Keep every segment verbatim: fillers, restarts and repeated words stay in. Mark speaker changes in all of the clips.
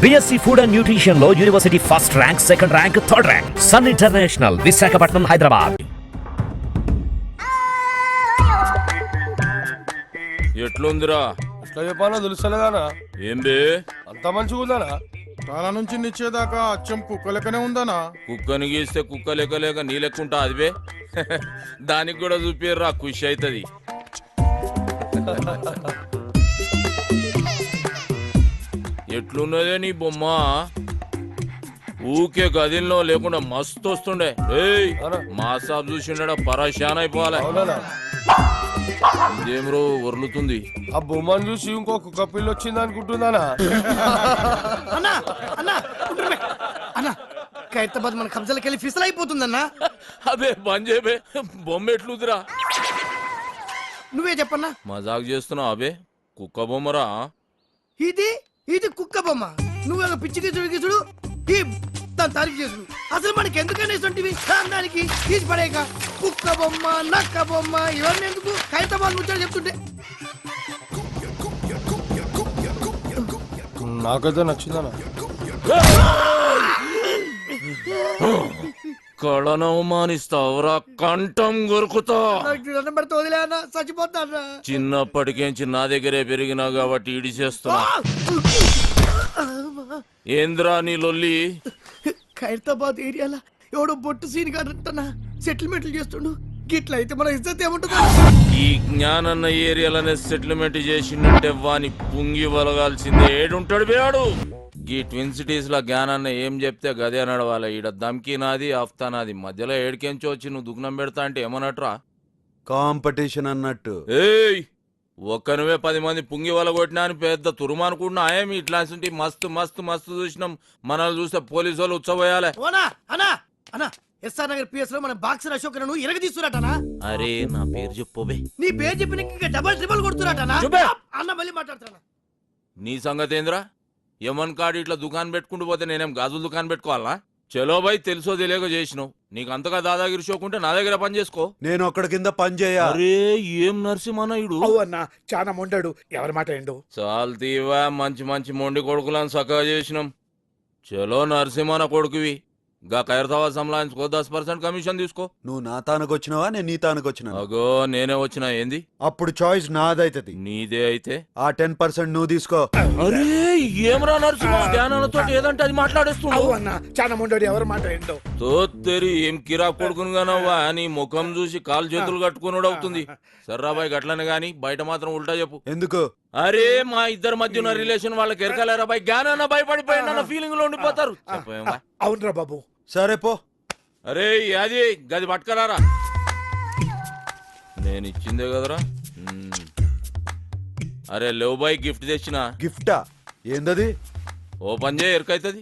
Speaker 1: BSc food and nutrition లో university first rank, second rank, third rank. Sun international, Visakhapatnam, Hyderabad.
Speaker 2: ఎట్లుందిరా?
Speaker 3: ఎట్లా చెప్పాలో తెలుస్తలేదానా?
Speaker 2: ఏం బే
Speaker 3: అంత మంచిగా ఉందానా?
Speaker 4: తల నుంచి నిచ్చేదాకా అచ్చం కుక్క లెక్కనే ఉందనా?
Speaker 2: కుక్కని గీస్తే కుక్క లెక్క లేక నీ లెక్కుంటా అది బే. దానికి కూడా చూపిర్రా, ఖుషి అవుతుంది. ఎట్లున్నదే నీ బొమ్మ? ఊకే గదిలో లేకుండా మస్తు వస్తుండే. ఏయ్ మా సాబ్ చూసిండ పరేషాన్ అయిపోవాలి. ఇదేమ్రో వర్లుతుంది.
Speaker 3: ఆ బొమ్మను చూసి ఇంకో కుక్క పిల్ల వచ్చింది అనుకుంటుందానా?
Speaker 5: అన్నా అన్నా అన్నా ఖైరతాబాద్ మన కబ్జాలకు వెళ్ళి ఫిసల్ అయిపోతుందన్నా.
Speaker 2: అబే బంద్ చేయబే, బొమ్మ ఎట్లుదిరా?
Speaker 5: నువ్వే చెప్పన్నా.
Speaker 2: మజాక్ చేస్తున్నావు అబే? కుక్క బొమ్మరా
Speaker 5: ఇది? ఇది కుక్క బొమ్మ. నువ్వు పిచ్చి గిచ్చుడు గిచ్చుడు ఈ దాని తారీఫ్ చేసుడు. అసలు మనకి ఎందుకని ఇస్తుంటివి దానికి తీసి పడేక? కుక్క బొమ్మ, నక్క బొమ్మ ఇవన్నీ ఎందుకు? ఖైరతాబాద్ ముచ్చాడు చెప్తుంటే
Speaker 3: నాకైతే నచ్చిందనా?
Speaker 2: కళను అవమానిస్తావురా, కంఠం కొరుకుతా.
Speaker 5: వదిలే అన్న, చచ్చిపోతాను.
Speaker 2: చిన్నప్పటికేంచి నా దగ్గరే పెరిగినా కాబట్టి ఇడి చేస్తున్నా. ఏంద్రా నీ లొల్లి?
Speaker 5: ఖైరతాబాద్ ఏరియాలో ఎవడో బొట్టు సీన్ కాదంటనా సెటిల్మెంట్లు చేస్తుండు. గిట్ల అయితే మన ఇజ్జత్ ఏముంటుందా?
Speaker 2: ఈ జ్ఞానన్న ఏరియాలనే సెటిల్మెంట్ చేసిందంటే వాని పుంగి వలగాల్సిందే. ఏడుంటాడు బేడు. ఈ ట్విన్ సిటీస్ లో జ్ఞానాన్న ఏం చెప్తే గదే నడవాలి. ఈడ దమ్కి నాది, ఆఫ్తా నాది. మధ్యలో ఏడికెంచి వచ్చి నువ్వు దుగ్నం పెడతా అంటే ఏమన్నట్రా?
Speaker 6: కాంపిటీషన్ అన్నట్టు.
Speaker 2: ఏయ్ ఒక్కనువే పది మంది పుంగి వల కొట్టినా అని పెద్ద తురుమనుకుంటున్నా. ఏమి ఇట్లాంటి మస్తు మస్తు మస్తు చూసినాం. మనల్ని చూస్తే పోలీసు వాళ్ళు ఉచ్చబోయాలి.
Speaker 5: ఎస్ఆర్ నగర్ పిఎస్ లో మన బాక్సర్ అశోక్ ను ఇరగ తీస్తున్నట్టనా?
Speaker 2: అరే నా పేరు చెప్పోబే.
Speaker 5: నీ పేరు చెప్పిన ఇంకా డబల్ ట్రిబల్ కొడుతున్నట్టనా? అన్న మళ్ళీ మాట్లాడుతున్నా.
Speaker 2: నీ సంగతి ఏంద్రా? యమన్ కాడు ఇట్లా దుకాణం పెట్టుకుంటూ పోతే నేనేం గాజులు దుకాణం పెట్టుకోవాలా? చలో బై, తెలుసో తెలియక చేసినావు. నీకు అంతగా దాదాగిరి షోకుంటే నా దగ్గర పని చేసుకో.
Speaker 6: నేను ఒక్కడి కింద పని చేయ.
Speaker 2: అరే ఏం నరసింహనాయుడు
Speaker 4: అన్న చాలా మొండాడు. ఎవరి మాట ఏండు?
Speaker 2: చాలు తీవా, మంచి మంచి మొండి కొడుకులను చక్కగా చేసినాం. చలో నరసింహన కొడుకువి. గా ఖైరతాబాద్ సంలాయించుకో, దస్ పర్సెంట్ కమిషన్ తీసుకో.
Speaker 6: నువ్వు నా తానకు వచ్చినావా, నేను నీ తానకు వచ్చినా?
Speaker 2: అగో నేనే వచ్చినా. ఏంది?
Speaker 6: అప్పుడు చాయిస్ నాదైతది.
Speaker 2: నీదే అయితే
Speaker 6: ఆ టెన్ పర్సెంట్ నువ్వు తీసుకో.
Speaker 2: అరే ఏమరా నరసింహ, జ్ఞానాలతో ఏదంటే అది మాట్లాడేస్తున్నావు.
Speaker 4: అన్న చాలా మొండాడు. ఎవరి మాట ఏంటో?
Speaker 2: తోత్తెరి ఏం కిరా కొడుకును గానవ్వా. నీ ముఖం చూసి కాలు చేతులు కట్టుకున్నాడు అవుతుంది. సర్రాబాయ్ గట్లనే గాని బయట మాత్రం ఉల్టా చెప్పు.
Speaker 6: ఎందుకు?
Speaker 2: అరే మా ఇద్దరి మధ్య ఉన్న రిలేషన్ వాళ్ళకి ఎరకలేరా బాయ్? జ్ఞానాన్న భయపడిపోయిన ఫీలింగ్ లో ఉండిపోతారు. చెప్పేమా?
Speaker 4: అవునరా బాబు.
Speaker 6: సరే పో.
Speaker 2: అరే అది గది పట్టుకరారా. నేను ఇచ్చిందే కదరా. అరే లేవు బాయ్, గిఫ్ట్ తెచ్చిన.
Speaker 6: గిఫ్టా? ఏందది?
Speaker 2: ఓపెన్ చేయ, ఎరకైతుంది.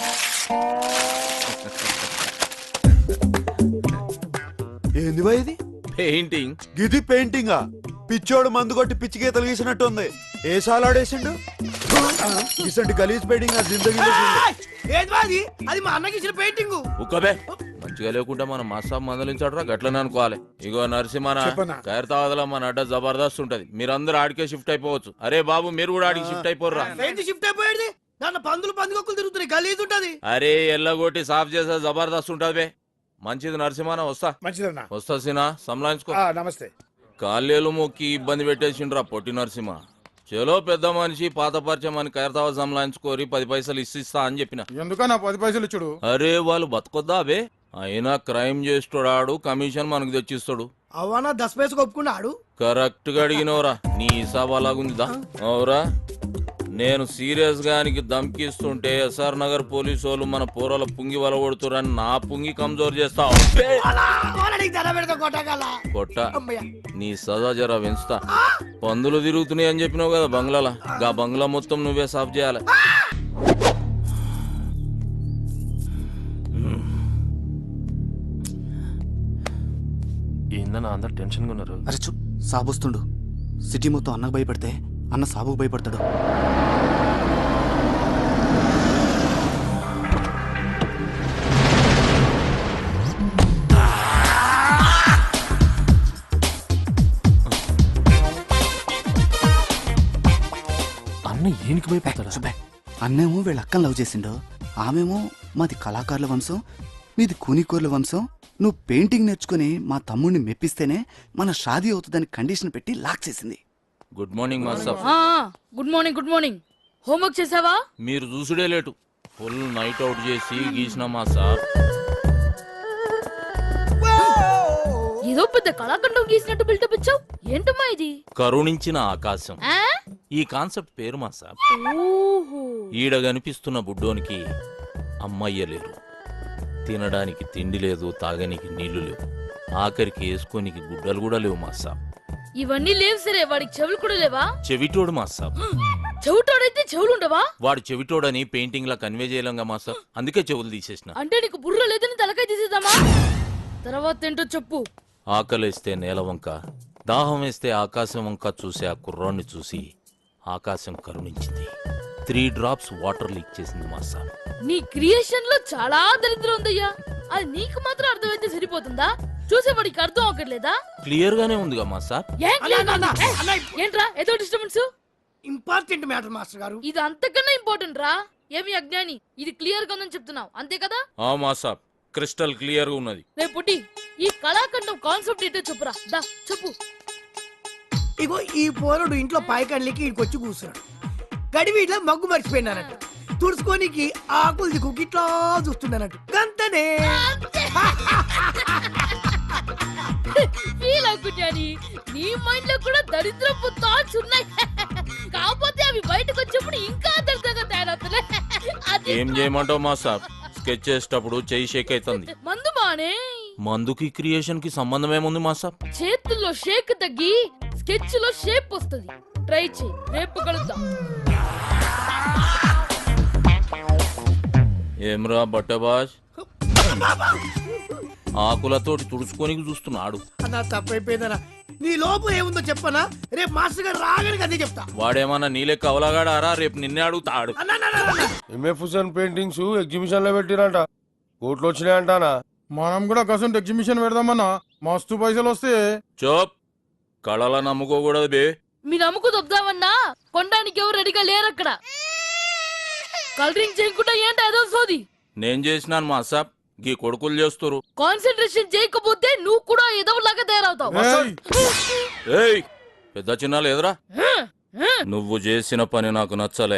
Speaker 6: ఏంది బాయ్ ఇది?
Speaker 2: పెయింటింగ్.
Speaker 6: గిది పెయింటింగా? పిచ్చోడు మందు కొట్టి పిచ్చి గీతలు గీసినట్టు ఉంది. ఏ సాలాడేసిండు? ఇసంటి గలీజ్ పెయింటింగ్ నా జిందగీలో
Speaker 5: అది అది మా అన్నకి ఇచ్చిన పెయింటింగ్.
Speaker 2: ఉక్కబే మంచిగా లేకుంటే మనం మాసాబ్ మందలించాడురా, గట్లనే అనుకోవాలి. ఇగో నరసింహన, ఖైరతాబాద్లో మన అడ్డ జబర్దస్త్ ఉంటది. మీరందరూ ఆడికే షిఫ్ట్ అయిపోవచ్చు. అరే బాబు మీరు కూడా ఆడికి షిఫ్ట్ అయిపోర్రా.
Speaker 5: షిఫ్ట్ అయిపోయేది దాని పందులు పందుకొక్కులు తిరుగుతున్నాయి. గలీజ్ ఉంటది.
Speaker 2: అరే ఎల్లగొట్టి సాఫ్ చేసే జబర్దస్త్ ఉంటది బే. మంచిది నరసింహన, వస్తా.
Speaker 4: మంచిదన్నా.
Speaker 2: వస్తా సినా, సంలాయించుకో.
Speaker 4: నమస్తే.
Speaker 2: కాళ్ళేలు మొక్కి ఇబ్బంది పెట్టేసిండ్రా పొట్టి నరసింహ. చలో పెద్ద మనిషి, పాత పరిచయం అని ఖైరతాబాద్ సంలాయించుకోరి, పది పైసలు ఇస్తా అని చెప్పిన.
Speaker 4: ఎందుకన్నా పది పైసలు ఇచ్చుడు?
Speaker 2: అరే వాళ్ళు బతకొద్దా బే? అయినా క్రైమ్ చేస్తాడు, కమిషన్ మనకు తెచ్చిస్తాడు.
Speaker 5: అవనా దస్ పైసకు ఒప్పుకున్నాడు.
Speaker 2: కరెక్ట్ గా అడిగినవరా. నీ హిసాబ్ అలాగుందిదా? అవురా, నేను సీరియస్ గా దమ్కిస్తుంటే ఎస్ఆర్ నగర్ పోలీసు వాళ్ళు మన పోరల పుంగి వల కొడుతురని నా పుంగి కమ్జోర్ చేస్తావు. కొట్ట నీ సదా జరా పెంచుతా. పందులు తిరుగుతున్నాయి అని చెప్పినావు కదా బంగ్లాల. గా బంగ్లా మొత్తం నువ్వే సాఫ్ చేయాలి.
Speaker 7: ఏందన్నా అందరు టెన్షన్ గా ఉన్నారు?
Speaker 8: అరే చూ, సాబొస్తుండు. సిటీ మొత్తం అన్నకు భయపడితే అన్న సాబుకు భయపడతాడు.
Speaker 7: అన్న ఏనికి భయపడతాడు?
Speaker 8: సుబ్బే, అన్నేమో వీళ్ళ అక్కని లవ్ చేసిండు, ఆమెమో మాది కళాకారుల వంశం, మీది కూనికోర్ల వంశం. నువ్వు పెయింటింగ్ నేర్చుకుని మా తమ్ముడిని మెప్పిస్తేనే మన షాదీ అవుతుందని కండిషన్ పెట్టి లాక్ చేసింది.
Speaker 2: Good morning master.
Speaker 7: ఆ, good morning good morning. Homework చేసావా?
Speaker 2: మీరు చూసుడే లేటు, ఫుల్ నైట్ అవుట్ చేసి గీసిన మాస్టర్.
Speaker 7: ఏదో పెద్ద కళాఖండం గీసినట్టు బిల్డప్ ఇచ్చావు. ఏంటమ్మా ఇది?
Speaker 2: కరుణించిన ఆకాశం,
Speaker 7: ఆ?
Speaker 2: ఈ కాన్సెప్ట్ పేరు మాస్టర్.
Speaker 7: ఓహో.
Speaker 2: ఈడ కనిపిస్తున్న బుడ్డోనికి అమ్మయ్య లేరు, తినడానికి తిండి లేదు, తాగనికి నీళ్లు లేవు, ఆఖరికి వేసుకోనికి గుడ్డలు కూడా లేవు మాస్టర్.
Speaker 7: ఇవన్నీ లేవు సరే, వాడికి చెవులు కూడా లేవా?
Speaker 2: చెవిటోడు మాస్టర్.
Speaker 7: చెవిటోడైతే చెవులు ఉండవా?
Speaker 2: వాడు చెవిటోడని పెయింటింగ్ లా కన్వే చేయలేంగా మాస్టర్, అందుకే చెవులు తీసేసిన.
Speaker 7: అంటే నీకు బుర్ర లేదని తలకాయ తీసేద్దామా? తర్వాత ఏంటో చెప్పు.
Speaker 2: ఆకలేస్తే నేల వంక, దాహం వేస్తే ఆకాశం వంక చూసే ఆ కుర్రాన్ని చూసి ఆకాశం కరుణించింది. త్రీ డ్రాప్స్ వాటర్ లీక్ చేసింది మాస్టర్.
Speaker 7: నీ క్రియేషన్ లో చాలా దరిద్రం ఉందయ్యా. అది నీకు మాత్రం అర్థమైతే సరిపోతుందా? చూసేవాడికి అర్థం అవ్వట్లేదా?
Speaker 2: క్లియర్ గానే ఉందిగా మాస్టర్.
Speaker 7: ఏం clear
Speaker 5: అన్న, అన్న,
Speaker 7: ఉంది? ఏ,
Speaker 5: అన్న,
Speaker 7: ఏంట్రా ఏదో డిస్టర్బెన్స్?
Speaker 5: ఇంపార్టెంట్ మ్యాటర్ మాస్టర్ గారు.
Speaker 7: ఇది అంతకన్నా ఇంపార్టెంట్ రా. ఏమి అజ్ఞాని, ఇది క్లియర్ గా ఉందని చెప్తున్నావు అంతే కదా?
Speaker 2: ఆ మాస్టర్, క్రిస్టల్ క్లియర్ గా ఉన్నది.
Speaker 7: రేపు పుట్టి ఈ కళాఖండం కాన్సెప్ట్ ఏంటో చెప్పురా. దా చెప్పు.
Speaker 5: ఇగో ఈ పోరుడు ఇంట్లో పాయకండ్లకి ఇక్కడికి వచ్చి కూర్చున్నాడు. గడివి ఇట్లా మగ్గు మర్చిపోయినానట్టు, తుడుచుకోనికి ఆకులు దిక్కు ఇట్లా చూస్తున్నానట్టు. గంతనే
Speaker 7: ఫీల్ అవ్వకుని నీ మైండ్ లో కూడా దరిద్రపు థాట్స్ ఉన్నాయి. కాకపోతే అవి బయటకు వచ్చినప్పుడు ఇంకా దరిద్రంగా తయారవుతున్నాయి. అది
Speaker 2: ఏం చేయమంటావు మాస్టర్? స్కెచ్ చేసేటప్పుడు చెయ్యి షేక్ అవుతుంది.
Speaker 7: మందు మానే.
Speaker 2: మందుకి క్రియేషన్ కి సంబంధం ఏముంది మాస్టర్?
Speaker 7: చేతుల్లో షేక్ తగ్గి స్కెచ్ లో షేప్ వస్తుంది. ట్రై చేయి, రేపు కలుద్దాం.
Speaker 2: ఏమ్రా బట్టబాజ్, ఆకులతోటి తుడుచుకొని చూస్తున్నాడు.
Speaker 5: అన్నా తప్పైపోయిందనా. నీ లోపు ఏముందో చెప్పనా? రేపు మాస్టర్ గారు రాగానే అదే చెప్తా.
Speaker 2: వాడేమన్నా నీలే కవలగాడారా? రేపు నిన్నే అడుగుతాడు.
Speaker 5: అన్నా, అన్నా, అన్నా, అన్నా.
Speaker 3: ఎంఎఫ్ హుసేన్ పెయింటింగ్స్ ఎగ్జిబిషన్ లో పెట్టిరంట, కోట్లు వచ్చినాయంటానా?
Speaker 4: మనం కూడా కసంట్ ఎగ్జిబిషన్ పెడదామన్నా, మస్తు పైసలు వస్తే.
Speaker 2: చోప్, కళల నమ్ముకోకూడదు బే.
Speaker 7: మీ నమ్ముకు దొబ్దామన్నా కొనడానికి ఎవరు రెడీగా లేరు అక్కడ. కలరింగ్ చేయకుండా ఏంటి ఏదో సోది.
Speaker 2: నేను చేసినాను మాస్టర్, గీ కొడుకులు చేస్తారు.
Speaker 7: కాన్సన్ట్రేషన్ చేయకపోతే నువ్వు కూడా ఏదో లాగా తయారవుతావు.
Speaker 4: ఏయ్,
Speaker 2: ఏయ్, పెద్ద చిన్న లేదురా. నువ్వు చేసిన పని నాకు నచ్చలే.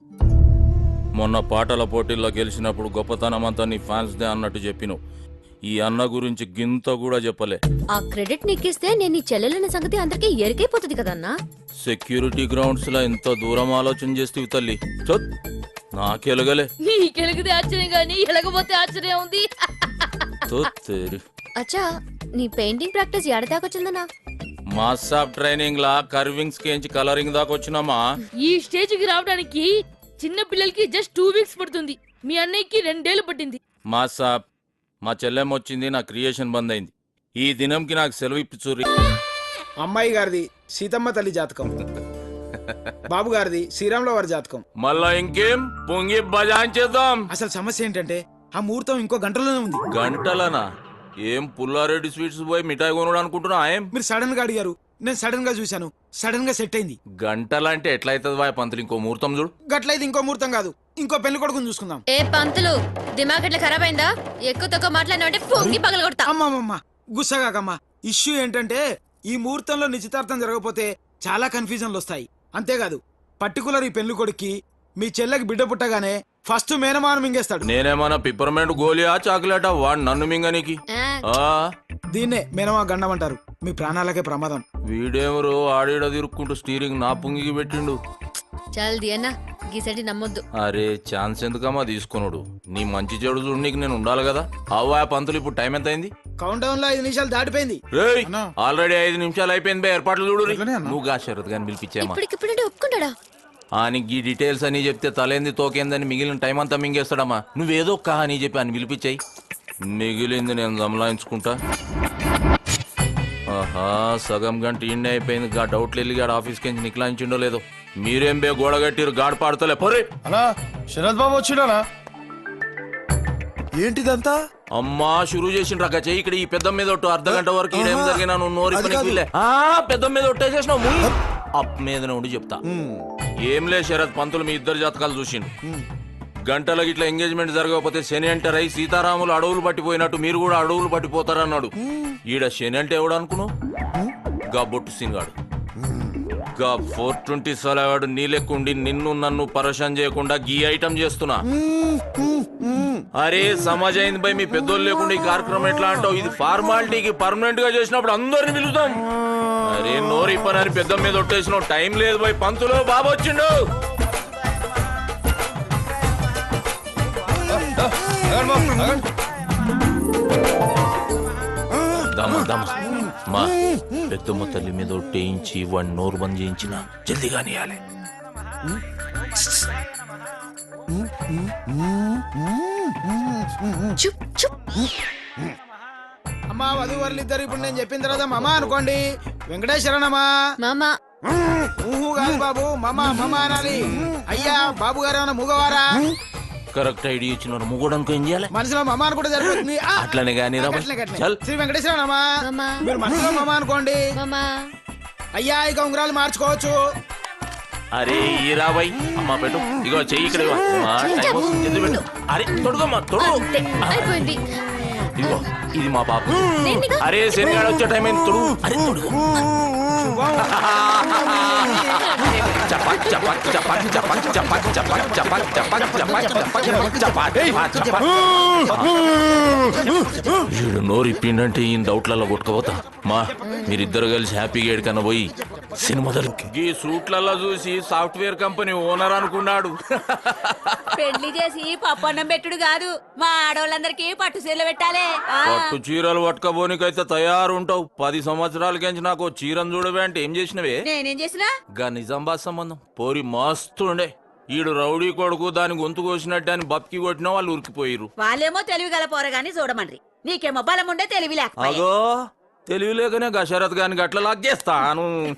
Speaker 2: మొన్న పాటల పోటీల్లో గెలిచినప్పుడు గొప్పతనం అంతా నీ ఫ్యాన్స్ దే అన్నట్టు చెప్పిను. ఈ అన్న గురించి గింత కూడా చెప్పలే.
Speaker 9: ఆ క్రెడిట్ నీకిస్తే నేను నీ చెల్లెలన్న సంగతి అందరికీ ఎరికైపోతుంది కదన్నా.
Speaker 2: సెక్యూరిటీ గ్రౌండ్స్ లో ఎంత దూరం ఆలోచన చేస్తేవి తల్లి. చొత్, నాకెలగలే.
Speaker 7: నీకెలిగితే ఆశ్చర్యం గానీ ఎలగపోతే ఆశ్చర్యం ఉంది.
Speaker 2: తొత్ తేరి.
Speaker 9: అచ్చా, నీ పెయింటింగ్ ప్రాక్టీస్ ఎడదాకొచ్చిందన్నా?
Speaker 2: మాస్సాప్ ట్రైనింగ్ లా కర్వింగ్స్ కేంచి కలరింగ్ దాకా వచ్చినామా.
Speaker 7: ఈ స్టేజ్ కి రావడానికి చిన్న పిల్లలకి జస్ట్ టూ వీక్స్ పడుతుంది. మీ అన్నయ్యకి రెండేళ్లు పట్టింది.
Speaker 2: మాస్సాప్, మా చెల్లెమ్మ వచ్చింది, నా క్రియేషన్ బంద్ అయింది. ఈ దినంకి నాకు సెలవు ఇప్పించుర్రి.
Speaker 10: అమ్మాయి గారిది సీతమ్మ తల్లి జాతకం, బాబు గారిది శ్రీరాముల వారి జాతకం.
Speaker 2: మళ్ళా ఇంకేం పొంగి బజాయించేద్దాం.
Speaker 10: అసలు సమస్య ఏంటంటే ఆ ముహూర్తం ఇంకో గంటలోనే ఉంది.
Speaker 2: గంటలనా? ఏం పుల్లారెడ్డి స్వీట్స్ పోయి మిఠాయి కొనుడు అనుకుంటున్నా? ఏం
Speaker 10: మీరు సడన్ గా అడిగారు, నేను సడన్ గా చూశాను, సడన్ గా సెట్ అయింది.
Speaker 2: గంటలంటే ఎట్లయితుంది వాయ్ పంతులు? ఇంకో ముహూర్తం చూడు.
Speaker 10: గట్లయితే ఇంకో ముహూర్తం కాదు, ఇంకో పెళ్లి కొడుకుని చూసుకుందాం.
Speaker 9: ఏ పంతులు, దిమాగ్ ఎట్లా ఖరాబ్ అయిందా? ఎక్కువ తక్కువ మాట్లాడినావంటే పొంగి పగల కొడతా.
Speaker 10: అమ్మమ్మమ్మ గుస్సగాకమ్మా. ఇష్యూ ఏంటంటే ఈ ముహూర్తంలో నిశ్చితార్థం జరగకపోతే చాలా కన్ఫ్యూజన్లు వస్తాయి. అంతేకాదు పర్టికులర్ ఈ పెళ్లి కొడుక్కి మీ చెల్లెకి బిడ్డ పుట్టగానే ఫస్ట్ మేనమాన మింగేస్తాడు.
Speaker 2: నేనేమన్నా పిప్పర్మెంట్ గోలియా చాక్లెటా? వాడు నన్ను మింగనికి.
Speaker 9: ఆ,
Speaker 2: ఆ
Speaker 10: దీన్నే మేనమా గండం అంటారు. మీ ప్రాణాలకే ప్రమాదం.
Speaker 2: వీడేమరు ఆడిడ తిరుక్కుంటూ స్టీరింగ్ నా పుంగికి పెట్టిండు.
Speaker 9: చల్ది అన్న, గీసటి నమ్మొద్దు.
Speaker 2: అరే ఛాన్స్ ఎందుకమ్మా తీసుకున్నాడు? నీ మంచి చెడు చూడు, నీకు నేను ఉండాలి కదా. అవ్వా పంతులు, ఇప్పుడు టైం ఎంత అయింది?
Speaker 10: కౌంట్ డౌన్ లో ఐదు నిమిషాలు దాటిపోయింది.
Speaker 2: రేయ్,
Speaker 4: అన్నా.
Speaker 2: ఆల్రెడీ ఐదు నిమిషాలు అయిపోయింది బే, ఏర్పాట్లు చూడు.
Speaker 4: అట్లనే అన్నా.
Speaker 2: నువ్వు గా శరత్ గాని పిలిపించామా?
Speaker 9: ఇప్పటికిప్పుడంటే ఒప్పుకుంటాడా?
Speaker 2: అని ఈ డీటెయిల్స్ అని చెప్తే తలేంది తోకేందని మిగిలిన టైం అంతా మింగేస్తాడమ్మా. నువ్వేదో కా అని చెప్పి అని పిలిపించాయి, మిగిలింది నేను దమలాయించుకుంటా. ఆహా, సగం గంట ఇండి అయిపోయింది. గా డౌట్లు వెళ్ళి గాడు ఆఫీస్కి నుంచి నిక్లాయించిండో లేదో. మీరేం బే గోడ కట్టిరు, గాడు పాడుతలే పోరే.
Speaker 3: అన్నా శరత్ బాబు వచ్చిండనా?
Speaker 6: ఏంటిదంతా?
Speaker 2: అమ్మా షురూ చేసిండ్రు అక్క చెయ్యి. ఇక్కడ ఈ పెద్ద మీద ఒట్టు అర్ధ గంట వరకు ఈడేం జరిగినా నువ్వు నోరి
Speaker 6: అది కాదు.
Speaker 2: పెద్ద మీద ఒట్టేసేసినావు. అప్ మీద ఉండి చెప్తా. ఏం లే శరత్ పంతులు మీ ఇద్దరు జాతకాలు చూసిండు. గంటలకు ఇట్లా ఎంగేజ్మెంట్ జరగకపోతే శని ఎంటర్ అయి సీతారాములు అడవులు పట్టిపోయినట్టు మీరు కూడా అడవులు పట్టిపోతారన్నాడు. ఈడ శని అంటే ఎవడు అనుకున్నావు? గా బొట్టు సినిగాడు. గా ఫోర్ ట్వంటీ సలవాడు నీలెక్కుండి నిన్ను నన్ను పరేషాన్ చేయకుండా గీ ఐటమ్ చేస్తున్నా. అరే సమాజ్ అయింది బై, మీ పెద్దోళ్ళు లేకుండా ఈ కార్యక్రమం ఎట్లా అంటావు? ఇది ఫార్మాలిటీకి పర్మనెంట్ గా చేసినప్పుడు అందరిని పిలుస్తాం. అరే నోరు ఇప్పనని పెద్ద మీద ఒట్టేసిన టైం లేదు బై. పంతులు బాబు వచ్చిండు. దమ దమ మా పెద్దమ్మ తల్లి మీద ఒట్టేయించి వాడిని నోరు బంద్ చేయించిన జల్దిగా నీయాలి.
Speaker 10: అమ్మా వధువరులు ఇద్దరు ఇప్పుడు నేను చెప్పిన తర్వాత మమ అనుకోండి. వెంకటేశ్వరనమ్మా.
Speaker 9: మామా
Speaker 10: ఊహు కాదు బాబు, మమ మమ అనాలి. అయ్యా బాబు గారు ఏమన్నా మూగవారా?
Speaker 2: కరెక్ట్ ఐడియా ఇచ్చిన ముగ్గుడానికి ఏం చేయాలి?
Speaker 10: మనసులో మమ అనుకుంటే సరిపోతుంది. ఆ,
Speaker 2: అట్లనే కానీ రా
Speaker 10: గట్లనే, గట్లనే.
Speaker 2: చల్.
Speaker 10: శ్రీ వెంకటేశ్వరనమ్మా.
Speaker 9: మామా
Speaker 10: మీరు మనసులో మమ అనుకోండి.
Speaker 9: మామా
Speaker 10: అయ్యా ఇక ఉంగరాలు మార్చుకోవచ్చు.
Speaker 2: అరే ఈ రాబాయ్ అమ్మా పెట్టు. ఇగో చెయ్యి ఇక్కడ ఇవ్వ. మా టైం వస్తుంది, జల్ది పెట్టు. అరే తొడుగమ్మా తొడుగు.
Speaker 9: అంతే, అయిపోయింది.
Speaker 2: ఇగో ఇది మా పాప.
Speaker 9: దేనిగా?
Speaker 2: అరే శనిగాడు వచ్చే టైం అయింది, తొడుగు. అరే తొడుగు. చపాక్ చపాక్ చపాక్ చపాక్ చపాక్ చపాక్ చపాక్ చపాక్ చపాక్ చపాక్ చపాక్ చపాక్. వీడు నోరు ఇప్పిండంటే ఈ డౌట్లలో కొట్టుకోపోతా. మా మీరిద్దరు కలిసి హ్యాపీగా ఏడికన్నా పోయి సినిమా ఈ సూట్లలో చూసి సాఫ్ట్వేర్ కంపెనీ ఓనర్ అనుకున్నాడు.
Speaker 7: పెళ్లి చేసి పప్పన్నం పెట్టుడు కాదు, మా ఆడవాళ్ళందరికీ పట్టు చీరలు పెట్టాలి.
Speaker 2: పట్టు చీరలు పట్టుకపోనికైతే తయారుంటావు. పది సంవత్సరాలకించి నాకు చీరను చూడవే అంటే ఏం చేసినవే?
Speaker 7: నేనేం చేసినా?
Speaker 2: గా నిజామాబాద్ సంబంధం పోరి మస్తు ఉండే. ఈడు రౌడీ కొడుకు దాని గొంతు కోసినట్టు అని బప్కి కొట్టినా వాళ్ళు ఉరికిపోయిరు.
Speaker 7: వాళ్ళేమో తెలివి గల పోరగాని చూడమండ్రి, నీకేమో బలం ఉండే తెలివి లేకపోయా.
Speaker 2: అగో తెలివి లేకనే గషరత్ గాని గట్ల లాగ్ చేస్తాను.